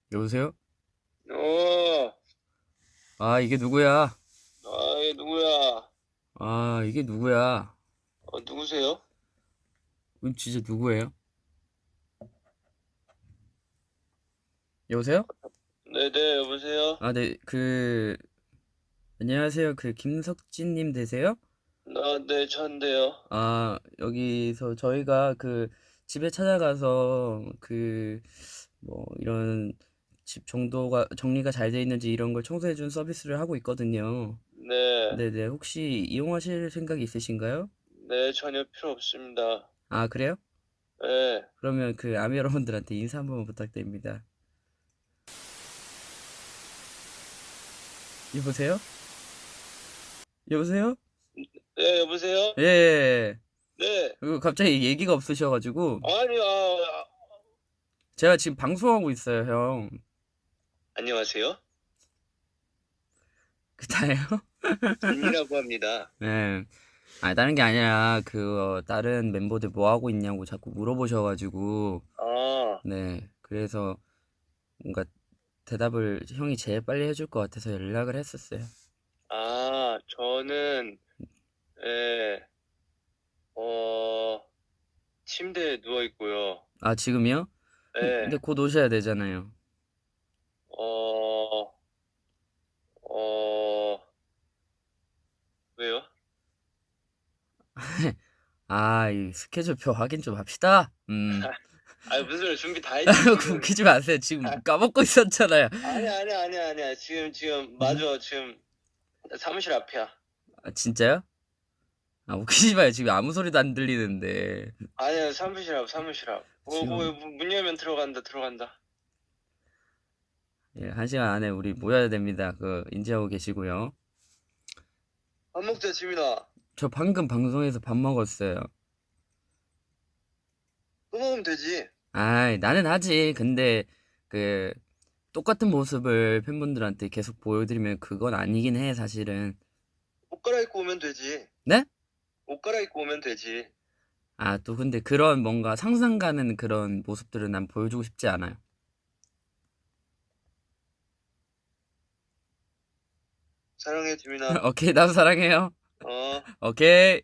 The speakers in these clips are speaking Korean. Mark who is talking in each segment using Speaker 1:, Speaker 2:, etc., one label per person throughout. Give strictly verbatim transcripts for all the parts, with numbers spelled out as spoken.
Speaker 1: 여보세요?
Speaker 2: 어,
Speaker 1: 아, 이게 누구야?
Speaker 2: 아, 얘 누구야?
Speaker 1: 아, 이게 누구야?
Speaker 2: 어, 누구세요?
Speaker 1: 음, 진짜 누구예요? 여보세요?
Speaker 2: 네네, 여보세요?
Speaker 1: 아, 네, 그, 안녕하세요. 그, 김석진님 되세요?
Speaker 2: 나, 네, 전데요.
Speaker 1: 아, 여기서 저희가 그, 집에 찾아가서 그, 뭐, 이런 집 정도가, 정리가 잘 돼 있는지 이런 걸 청소해준 서비스를 하고 있거든요.
Speaker 2: 네,
Speaker 1: 네네, 혹시 이용하실 생각이 있으신가요?
Speaker 2: 네, 전혀 필요 없습니다.
Speaker 1: 아, 그래요?
Speaker 2: 네,
Speaker 1: 그러면 그, 아미 여러분들한테 인사 한번 부탁드립니다. 여보세요? 여보세요?
Speaker 2: 네, 여보세요?
Speaker 1: 예, 예, 예.
Speaker 2: 네,
Speaker 1: 그리고 갑자기 얘기가 없으셔가지고
Speaker 2: 아니, 아, 아,
Speaker 1: 제가 지금 방송하고 있어요, 형.
Speaker 2: 안녕하세요?
Speaker 1: 그다예요?
Speaker 2: 진이라고 합니다.
Speaker 1: 네. 아, 다른 게 아니라 그 어, 다른 멤버들 뭐 하고 있냐고 자꾸 물어보셔가지고
Speaker 2: 아,
Speaker 1: 네. 그래서 뭔가 대답을 형이 제일 빨리 해줄 것 같아서 연락을 했었어요.
Speaker 2: 아, 저는, 예, 어, 침대에 누워 있고요.
Speaker 1: 아, 지금이요? 근데
Speaker 2: 예,
Speaker 1: 곧 오셔야 되잖아요.
Speaker 2: 어, 어, 왜요?
Speaker 1: 아, 이 스케줄표 확인 좀 합시다. 음.
Speaker 2: 아, 무슨 소리 준비 다 했지, 지금.
Speaker 1: 웃기지 마세요. 지금 까먹고 있었잖아요.
Speaker 2: 아니야, 아니야, 아니야, 아니야. 지금, 지금, 맞아. 지금 사무실 앞이야.
Speaker 1: 아, 진짜요? 아, 웃기지 마요. 지금 아무 소리도 안 들리는데.
Speaker 2: 아니야, 사무실 앞, 사무실 앞. 어,
Speaker 1: 지금,
Speaker 2: 뭐, 문 열면 들어간다, 들어간다.
Speaker 1: 예, 한 시간 안에 우리 모여야 됩니다. 그, 인지하고 계시고요.
Speaker 2: 밥 먹자, 지민아.
Speaker 1: 저 방금 방송에서 밥 먹었어요.
Speaker 2: 또 먹으면 되지.
Speaker 1: 아이, 나는 하지. 근데, 그, 똑같은 모습을 팬분들한테 계속 보여드리면 그건 아니긴 해, 사실은.
Speaker 2: 옷 갈아입고 오면 되지.
Speaker 1: 네?
Speaker 2: 옷 갈아입고 오면 되지.
Speaker 1: 아, 또 근데 그런 뭔가 상상 가는 그런 모습들은 난 보여주고 싶지 않아요.
Speaker 2: 사랑해, 지민아.
Speaker 1: 오케이, 나도 사랑해요.
Speaker 2: 어.
Speaker 1: 오케이.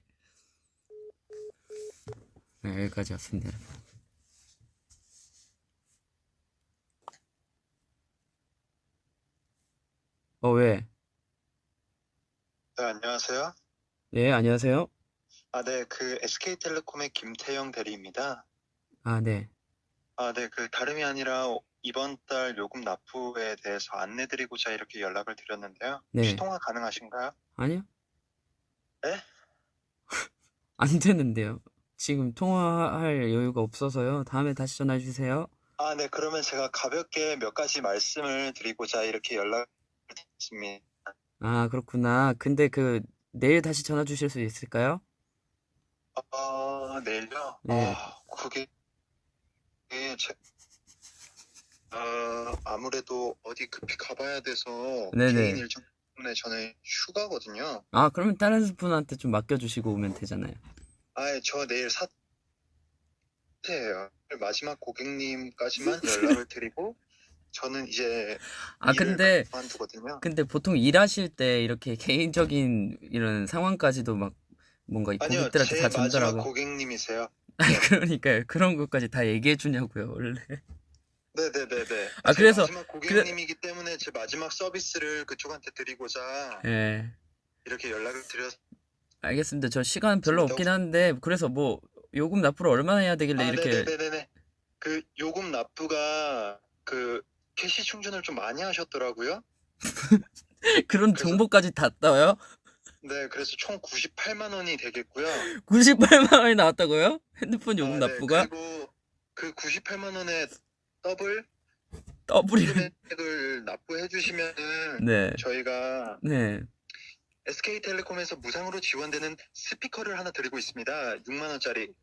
Speaker 1: 네, 여기까지 왔습니다. 어, 왜?
Speaker 3: 네, 안녕하세요.
Speaker 1: 네, 안녕하세요.
Speaker 3: 아, 네, 그 에스케이텔레콤의 김태형 대리입니다.
Speaker 1: 아, 네.
Speaker 3: 아, 네, 그 다름이 아니라 이번 달 요금 납부에 대해서 안내드리고자 이렇게 연락을 드렸는데요. 혹시
Speaker 1: 네.
Speaker 3: 통화 가능하신가요?
Speaker 1: 아니요?
Speaker 3: 네?
Speaker 1: 안 되는데요. 지금 통화할 여유가 없어서요. 다음에 다시 전화해 주세요.
Speaker 3: 아, 네, 그러면 제가 가볍게 몇 가지 말씀을 드리고자 이렇게 연락을 드렸습니다.
Speaker 1: 아, 그렇구나. 근데 그 내일 다시 전화 주실 수 있을까요?
Speaker 3: 어, 내일요?
Speaker 1: 네.
Speaker 3: 아, 그게 제, 아, 아무래도 어디 급히 가봐야 돼서 개인
Speaker 1: 네네.
Speaker 3: 일정 때문에 저는 휴가거든요.
Speaker 1: 아, 그러면 다른 분한테 좀 맡겨주시고 오면 되잖아요.
Speaker 3: 아, 저 내일 사 예요. 마지막 고객님까지만 연락을 드리고 저는 이제
Speaker 1: 아,
Speaker 3: 일을
Speaker 1: 근데,
Speaker 3: 그만두거든요.
Speaker 1: 근데 보통 일하실 때 이렇게 개인적인 이런 상황까지도 막 뭔가
Speaker 3: 아니요,
Speaker 1: 고객들한테 다
Speaker 3: 제 마지막
Speaker 1: 전달하고.
Speaker 3: 고객님이세요.
Speaker 1: 아니,
Speaker 3: 네.
Speaker 1: 그러니까요. 그런 것까지 다 얘기해 주냐고요, 원래.
Speaker 3: 네네네네. 아,
Speaker 1: 아,
Speaker 3: 제
Speaker 1: 그래서,
Speaker 3: 마지막
Speaker 1: 그래,
Speaker 3: 고객님이기 때문에 제 마지막 서비스를 그쪽한테 드리고자
Speaker 1: 예.
Speaker 3: 이렇게 연락을 드렸습니다.
Speaker 1: 알겠습니다. 저 시간 별로 없긴 한데, 그래서 뭐, 요금 납부를 얼마나 해야 되길래
Speaker 3: 아,
Speaker 1: 이렇게,
Speaker 3: 네네네네네. 그 요금 납부가 그 캐시 충전을 좀 많이 하셨더라고요.
Speaker 1: 그런
Speaker 3: 그래서
Speaker 1: 정보까지 다 떠요?
Speaker 3: 네, 그래서 총 구십팔만 원이 되겠고요.
Speaker 1: 구십팔만 원이 나왔다고요? 핸드폰 요금
Speaker 3: 아, 네.
Speaker 1: 납부가?
Speaker 3: 그리고 그 구십팔만 원에 더블
Speaker 1: 더블이면,
Speaker 3: 금액을 납부해 주시면은
Speaker 1: 네,
Speaker 3: 저희가
Speaker 1: 네.
Speaker 3: 에스케이텔레콤에서 무상으로 지원되는 스피커를 하나 드리고 있습니다. 육만 원짜리.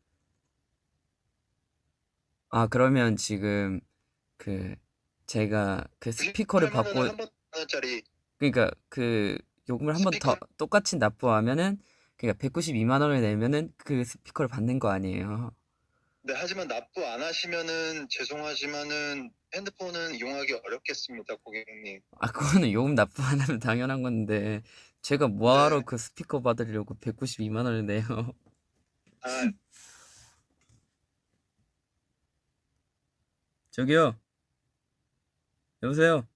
Speaker 1: 아, 그러면 지금, 그, 제가 그 스피커를
Speaker 3: 구십팔만 원을
Speaker 1: 받고,
Speaker 3: 한 번 원짜리
Speaker 1: 그러니까 그 요금을 한 번 더
Speaker 3: 스피커.
Speaker 1: 똑같이 납부하면은, 그러니까 백구십이만 원을 내면은 그 스피커를 받는 거 아니에요.
Speaker 3: 네, 하지만 납부 안 하시면은 죄송하지만은 핸드폰은 이용하기 어렵겠습니다, 고객님.
Speaker 1: 아, 그거는 요금 납부 안 하면 당연한 건데, 제가 뭐하러
Speaker 3: 네.
Speaker 1: 그 스피커 받으려고 백구십이만 원을 내요.
Speaker 3: 아,
Speaker 1: 저기요, 여보세요?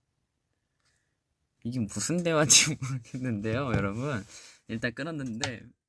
Speaker 1: 이게 무슨 대화인지 모르겠는데요, 여러분. 일단 끊었는데,